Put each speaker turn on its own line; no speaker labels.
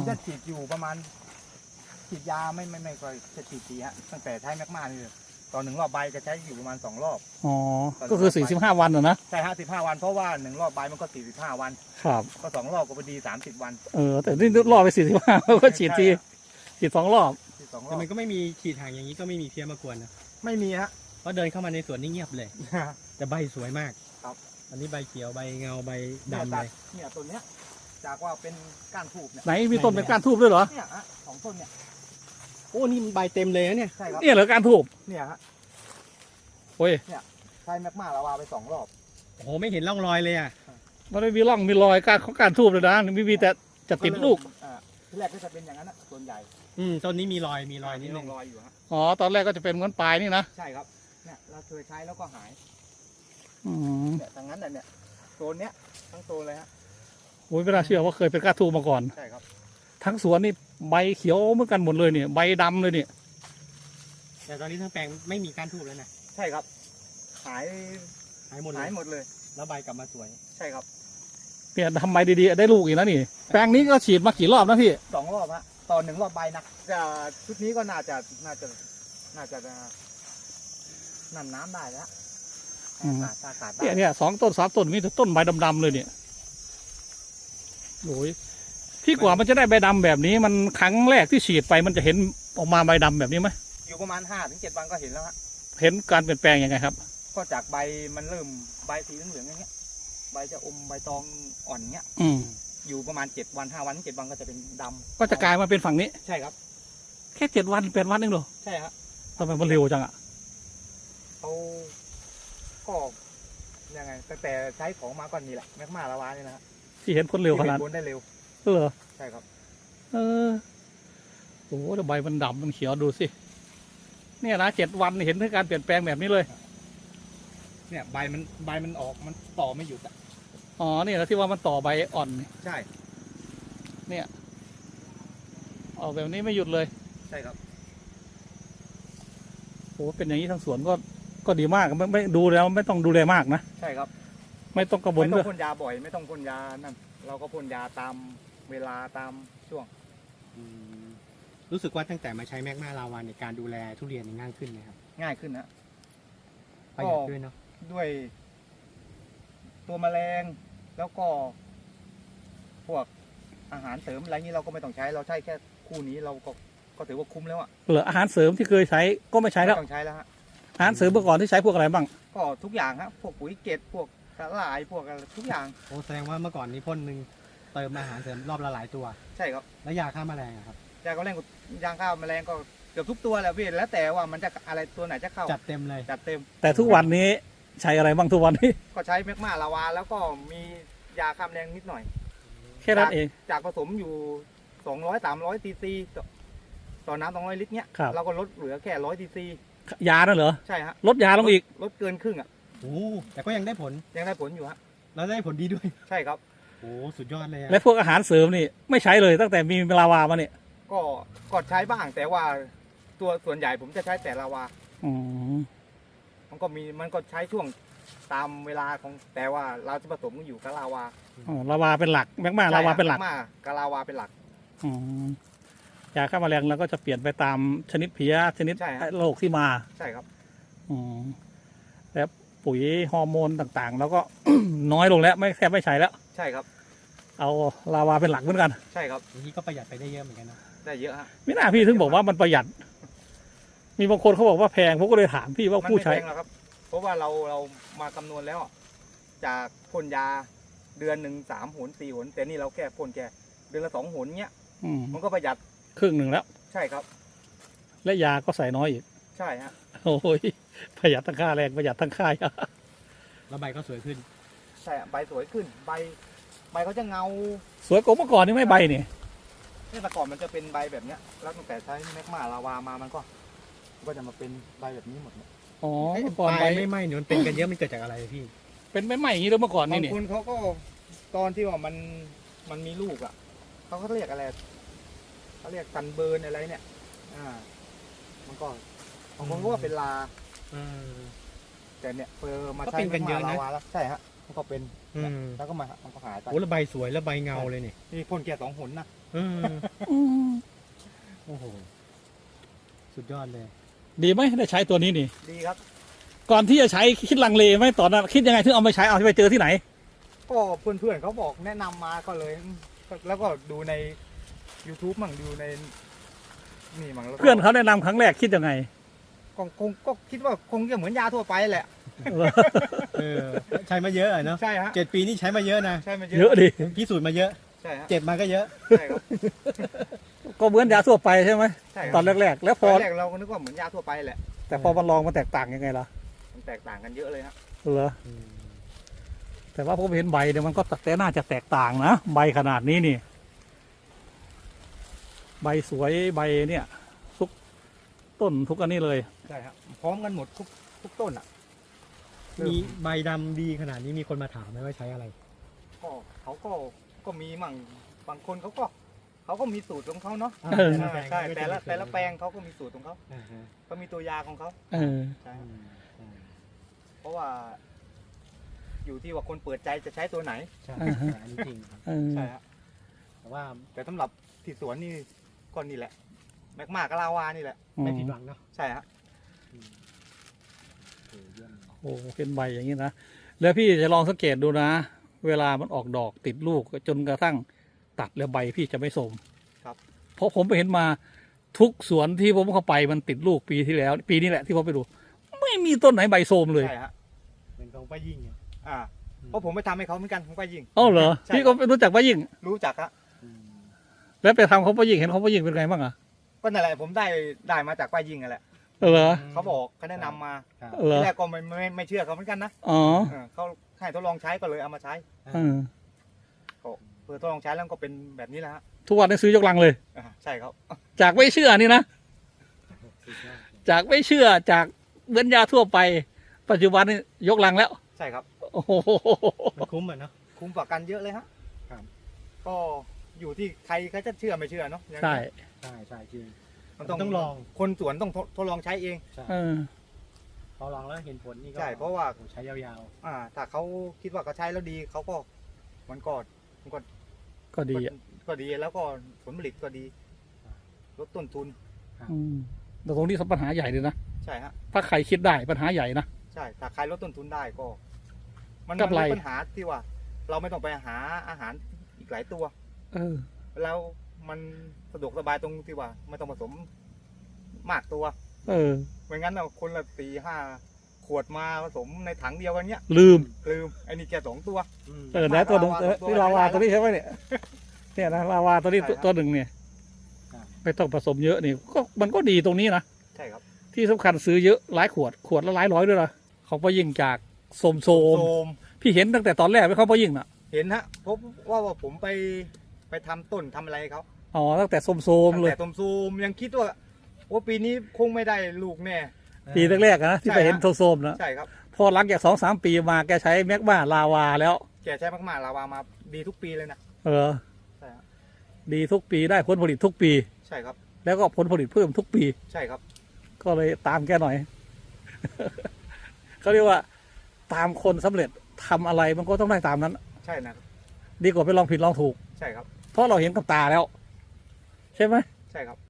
จะฉีดอยู่ประมาณฉีดยาไม่ค่อยจะฉีดทีฮะตั้งแต่ใช้แมกมานี่ตอน1 รอบใบจะใช้อยู่ประมาณ2 รอบ
อ๋อก็คือ45 วันนะ
ใช่ฮะ15 วันเพราะว่า1 รอบใบมันก็45 วัน
ครับ
ก็2 รอบก็พอดี30 วัน
แต่นี่รอบไป45ก็ฉีดทีฉีด2 รอบ
แต่มันก็ไม่มีฉีดห่างอย่างนี้ก็ไม่มีเพี้ยมากวนนะ
ไม่มีฮะ
เพราะเดินเข้ามาในสวนนี่เงียบเลยแต่ใบสวยมาก
ครับ
อันนี้ใบเขียวใบเงาใบดำเลย
เนี่ยต้นเนี้ยจากว่าเป็นก้านทูบเนี่ย
ไหนมีต้นเป็นก้านทูบด้วยเหรอ
เนี่ยฮะ2 ต้นเนี่ย
โอ้นี่ใบเต็มเลยนะเนี่ย
ใช่ครับ
เนี่ยเหรอก้านทูบ
เนี่ยฮะ
โอ้ย
เนี่ยใช้แมกมาลาวาไป2 รอบ
โอ้โหไม่เห็นร่องรอยเลยอ่ะ
มันไม่มีร่องมีรอยก้านทูบเลยนะมีแต่จะติดลูก
ที่แรกก็จะเป็นอย่างนั้นนะส่วนใหญ่
ต้นนี้มีรอยนิดนึง
รอยอยู่ฮะ
อ๋อตอนแรกก็จะเป็นเหมือนปลายนี่นะ
ใช่ครับเนี่ยเราเคยใช้แล้วก็หายเนี่ยทางนั้นเนี่ยโซนเนี้ยทั้งโซนเลยฮะ
โอ้ยไม่น่าเชื่อว่าเคยเป็นก้านทูบมาก่อน
ใช่ครับ
ทั้งสวนนี่ใบเขียวเหมือนกันหมดเลยเนี่ยใบดำเลยเนี่ย
แต่ตอนนี้ทั้งแปลงไม่มีก้านทูบแล้วนะ
ใช่ครับหาย
หมดเลยแล้วใบกลับมาสวย
ใช่ครับ
เนี่ยทำใบดีๆได้ลูกอีกแล้วนี่แปลงนี้ก็ฉีดมากี่รอบนะพี่
2 รอบฮะตอน1 รอบใบนะชุดนี้ก็น่าจะนั่นน้ำได้แล้วขาด
เนี่ย2 ต้น 3 ต้นมีแต่ต้นใบดำๆเลยเนี่ยโอ้ยพี่กว่ามันจะได้ใบดำแบบนี้มันครั้งแรกที่ฉีดไปมันจะเห็นออกมาใบดำแบบนี้ไหม
อยู่ประมาณ5 ถึง 7 วันก็เห็นแล้วฮะ
เห็นการเปลี่ยนแปลงยังไงครับ
ก็จากใบมันเริ่มใบสีเหลืองๆอย่างเงี้ยใบจะอมใบตองอ่อนเงี้ยอยู่ประมาณ7 วัน5 วัน 7 วันก็จะเป็นดำ
ก็จะกลายมาเป็นฝั่งนี้
ใช่ครับ
แค่7 วัน8 วันเองเหรอ
ใช่ฮะ
ทำไมมันเร็วจังอ่ะ
เขาก็ยังไงตั้งแต่ใช้ของมาก่อนนี่แหละแมกมาลาวานี่นะ
ที่เห็นผลเร็วขนาด
ผลได้เร็ว
เหรอ
ใช่ครับ
โอ้แต่ใบมันดำมันเขียวดูสิเนี่ยนะ7 วันเห็นถึงการเปลี่ยนแปลงแบบนี้เลย
เนี่ยใบมันออกมันต่อไม่หยุดอ่ะ
อ๋อเนี่ยนะที่ว่ามันต่อใบอ่อน
ใช่
เนี่ยออกแบบนี้ไม่หยุดเลย
ใช่ครับ
โอ้เป็นอย่างนี้ทั้งสวนก็ดีมากไม่ดูแล้วไม่ต้องดูแลมากนะ
ใช่ครับ
ไม่ต้องกระบวน
ไม่ต้องพ่นยาบ่อยไม่ต้องพ่นยานั่นเราก็พ่นยาตามเวลาตามช่วง
รู้สึกว่าตั้งแต่มาใช้แมกมาลาวาในการดูแลทุเรียนง่ายขึ้นไหมครับ
ง่ายขึ้นนะ
ประหยัดด้วยเนาะ
ด้วยตัวแมลงแล้วก็พวกอาหารเสริมอะไรนี้เราก็ไม่ต้องใช้เราใช้แค่คู่นี้เราก็ถือว่าคุ้มแล้วอ่ะ
เหลืออาหารเสริมที่เคยใช้ก็ไม่ใช้แล้ว
ไม่ต้องใช้แล้วฮะ
อาหารเสริมเมื่อก่อนที่ใช้พวกอะไรบ้าง
ก็ทุกอย่างครับพวกปุ๋ยเกล็ดพวกสาหร่ายพวกอะไรทุกอย่าง
โอ้แสดงว่าเมื่อก่อนนี้พ่นหนึ่งเติมอาหารเสริมรอบละหลายตัว
ใช่ครับ
แล้วยาฆ่าแมลงครับ
ยาฆ่าแมลงยาฆ่าแมลงก็เกือบทุกตัวแหละพี่แล้วแต่ว่ามันจะอะไรตัวไหนจะเข้า
จัดเต็มเลย
จัดเต็ม
แต่ทุกวันนี้ใช้อะไรบ้างทุกวันนี้
ก็ใช้แมกมาลาวาแล้วก็มียาฆ่าแมลงนิดหน่อย
แค่นั้นเอง
จากผสมอยู่200-300 ซีซีต่อน้ำ200 ลิตรเนี้ยเราก็ลดเหลือแค่100 ซีซี
ยานั่นเหรอ
ใช่ฮะ
ลดยาลงอีก
ลดเกินครึ่งอ่ะ
โอ้แต่ก็ยังได้ผล
อยู่ฮะ
แล้วได้ผลดีด้วย
ใช่ครับ
โอ้สุดยอดเลย
และพวกอาหารเสริมนี่ไม่ใช้เลยตั้งแต่มีลาวามาเนี่ย
ก็ใช้บ้างแต่ว่าตัวส่วนใหญ่ผมจะใช้แต่ลาวามันก็ใช้ช่วงตามเวลาของแต่ว่าเราจะผสมอยู่กับลาวา
ลาวาเป็นหลักแมกมาลาวาเป็นหลัก
กับลาวาเป็นหลัก
ยาฆ่าแมลงเราก็จะเปลี่ยนไปตามชนิดเพี้ยชนิดโรคที่มา
ใช่ครับ
แล้วปุ๋ยฮอร์โมนต่างๆแล้วก็ น้อยลงแล้วแทบไม่ใช้แล้ว
ใช่ครับ
เอาลาวาเป็นหลักเหมือนกัน
ใช่ครับ
อย่างนี้ก็ประหยัดไปได้เยอะเหมือนกันนะ
ได้เยอะฮะ
ไม่น่าพี่ถึงบอกว่ามันประหยัดมีบางคนเขาบอกว่าแพงผมก็เลยถามพี่ว่าผู้ใช้
ไม่แพงหรอกครับเพราะว่าเรามาคำนวณแล้วจากพ่นยาเดือนหนึ่ง3 หน 4 หนแต่นี่เราแค่พ่นแค่เดือนละ2 หนเนี้ยมันก็ประหยัด
ครึ่งหนึ่งแล้ว
ใช่ครับ
และยาก็ใส่น้อยอีก
ใช่ฮะ
โอ้ยประหยัดทั้งค่าแรงประหยัดทั้งค่าย
แล้วใบก็สวยขึ้น
ใช่ใบสวยขึ้นใบเขาจะเงา
สวยกว่าเมื่อก่อนนี่ไม่ใบนี่
แต่ก่อนมันจะเป็นใบแบบเนี้ยแล้วตั้งแต่ใช้แมกมาลาวามามันก็จะมาเป็นใบแบบนี้หมดเลย
อ๋อเมื่อก่อนใบ
ไม่ไหม้เนี่ยมันเป็นกันเยอะมันเกิดจากอะไรพี่
เป็นไม่ไหม้อย่างนี้แล้วเมื่อก่อนนี่
บางคนเขาก็ตอนที่ว่ามันมีลูกอ่ะเขาก็เรียกอะไรเขาเรียกซันเบิร์นอะไรเนี่ยมันก็บางคนก็ว่าเป็นลาแต่เนี่ยมาใช้แมกมาลาวาแล้วใช่ฮะมันก็เป็นแล้วก็มันก็หายไป
โอ้แล้วใบสวยแล้วใบเงาเลย
นี่พ่นแค่2 หนนะ
อืม
โอ้โหสุดยอดเลย
ดีไหมได้ใช้ตัวนี้นี่
ดีครับ
ก่อนที่จะใช้คิดลังเลไหมตอนนั้นคิดยังไงถึงเอาไปใช้เอาไปเจอที่ไหน
ก็เพื่อนๆเขาบอกแนะนำมาก็เลย แล้วก็ดูใน YouTube มั่งดูในนี่มั่งแล้วก็
เพื่อนเขาแนะนำครั้งแรกคิดยังไง
ก็คิดว่าคงจะเหมือนยาทั่วไปแหละ
ใช้มาเยอะอะเนาะ
ใช่ฮะ
7 ปีนี่ใช้มาเยอะนะ
ใช่มัน
เยอะดิ
พิสูจน์มาเยอะ
ใช่ฮะ
เจ็บมาก็เยอะ
ใช่ครับ
ก็เหมือนยาทั่วไปใช่ไหม
ใช่ค
ต
รั
อบ นแรกๆ แล้วพ
ต
อ
อนแรกเราก็นึกว่าเหมือนยาทั่วไปแหละ
แต่พอมันลองมันแตกต่างยังไงล่ะ
มันแตกต่างกันเยอะเลยฮะ
เหรอแต่ว่าผมเห็นใบเนี่ยมันก็แต่น่าจะแตกต่างนะใบขนาดนี้นี่ ใบสวยใบเนี่ยทุกต้นทุกอันนี้เลย
ใช่ฮะพร้อมกันหมดทุกต้นอ่ะ
มีใบดำดีขนาดนี้มีคนมาถามไหมว่าใช้อะไร
ก็เขาก็มีมั่งบางคนเขาก็มีสูตรของเขาเนาะ
เออ
ใช่แต่ละแปลงเขาก็มีสูตรของเขา
อ่าฮะ
ก็มีตัวยาของเขา
เออ
ใช่
อื
ฮะ
มอืม
เพราะว่า อยู่ที่ว่าคนเปิดใจจะใช้ตัวไหน
ใช่
อ่าฮะ
อันนี้จริงครับ
เออ
ใช่ฮะ
แต่ว่า
แต่สำหรับที่สวนนี่ก็นี่แหละ แมกมากับลาวานี่แหละ
ไม่ผิดหวังเนาะ
ใช่ฮะ
อืมโอ้เยี่ยมเลย
โอ้เป็นใบอย่างนี้นะแล้วพี่จะลองสังเกตดูนะ เวลามันออกดอกติดลูกจนกระทั่งตัดแล้วใบพี่จะไม่สม
ครับ
เพราะผมไปเห็นมาทุกสวนที่ผมเข้าไปมันติดลูกปีที่แล้ว ปีนี้แหละที่ผมไปดู ไม่มีต้นไหนใบโทรมเลย
ใช่ฮะ
เป็นของป้ายิ่งไง
อ่าเพราะผมไปทำให้เขาเหมือนกันผมก็ยิง
อ๋อเหรอ
ใช่
พี่ก็รู้จักป้ายิ่ง
รู้จักฮะ
อืม
แล้วไปทำเขาป้ายิ่งเห็นเขาป้ายิ่งเป็นไงบ้างอะ
ก็นั่นแหละผมได้มาจากป้ายิงนั่นแหละ
เหรอ
เขาบอกเขาแนะนำมา
ครับ
เหรอ
ทีแรกก็ไม่เชื่อเขาเหมือนกันนะ
อ๋อ
เขาให้ทดลองใช้ก็เลยเอามาใช้
เออ
ก็เพื่อทดลองใช้แล้วก็เป็นแบบนี้แหละฮะ
ทุกวันนี้ซื้อยกลังเลย
ใช่ครับ
จากไม่เชื่อนี่นะ
สุดยอด
จากไม่เชื่อจากเหมือนยาทั่วไป ปัจจุบันนี่ยกลังแล้ว
ใช่ครับ
โอ้โห
มันคุ้มอ่ะเนาะ
คุ้มกว่ากันเยอะเลยฮะ
ครับ
ก็อยู่ที่ใครเขาจะเชื่อไม่เชื่อเนาะอย่าง
ใช่
นี้
ใช่ใช่จริง
มัน
ต้องลอง
คนสวนต้องทดลองใช้เอง
ใช่
เออ
พอลองแล้วเห็นผลนี่ก็
ใช่เพราะว่า
โอ้ใช้ยาว
ถ้าเขาคิดว่าเขาใช้แล้วดีเขาก็มันก็
ก็ดีอ่ะ
ก็ดีแล้วก็ผลผลิตก็ดีลดต้นทุน
อืมแต่ตรงนี้ปัญหาใหญ่เลยนะ
ใช่ฮะ
ถ้าใครคิดได้ปัญหาใหญ่นะ
ใช่ถ้าใครลดต้นทุนได้ก็ มัน
กำไร
ลดปัญหาที่ว่า เราไม่ต้องไปหาอาหารอีกหลายตัว
เออ
แล้วมันสะดวกสบายตรงที่ว่าไม่ต้องผสมมากตัว
เออ
ไม่งั้นเราคนละ4-5 ขวดมาผสมในถังเดียวกันเนี้ย
ลืม
ลืมไอ้นี่แค่2 ตัว
ๆอืม
เออนะตัวหนึ่ง
ลาวาตัว
นี่ลาวาตัวนี้ใช่ไหมเนี่ย เนี่ยนะลาวาตัวนี้
ใช่ครับ
ตัวหนึ่งเนี่ย
ครับ
ไม่ต้องผสมเยอะนี่ก็มันก็ดีตรงนี้นะ
ใช่ครับ
ที่สำคัญซื้อเยอะหลายขวดขวดละหลายร้อยด้วยนะของป้ายิ่งจากโสม
โซม
พี่เห็นตั้งแต่ตอนแรกไม่เขาป้ายิ่งน่ะ
เห็นฮะเพราะว่าผมไปทำต้นทำอะไรให้เขา
อ๋อตั้งแต่โสม
ตั้ง
เลย
แต่ต้มซูมยังคิดว่าปีนี้คงไม่ได้ลูกแน่
ปีแรกๆนะที่ไปเห็น
ใช่ฮะ
โสมๆนะ
ใช่ครับ
พอหลังจาก2-3 ปีมาแกใช้แมกมาลาวาแล้ว
แกใช้มากๆลาวามาดีทุกปีเลยนะ
เออ
ใช่ฮะ
ดีทุกปีได้ผลผลิตทุกปี
ใช่ครับ
แล้วก็ผลผลิตเพิ่มทุกปี
ใช่ครับ
ก็เลยตามแกหน่อย เขาเรียกว่า ตามคนสำเร็จทำอะไรมันก็ต้องได้ตามนั้น
ใช่นะ
ดีกว่าไปลองผิดลองถูก
ใช่ครับ
เพราะเราเห็นกับตาแล้ว ใช่ไหม
ใช่ครับ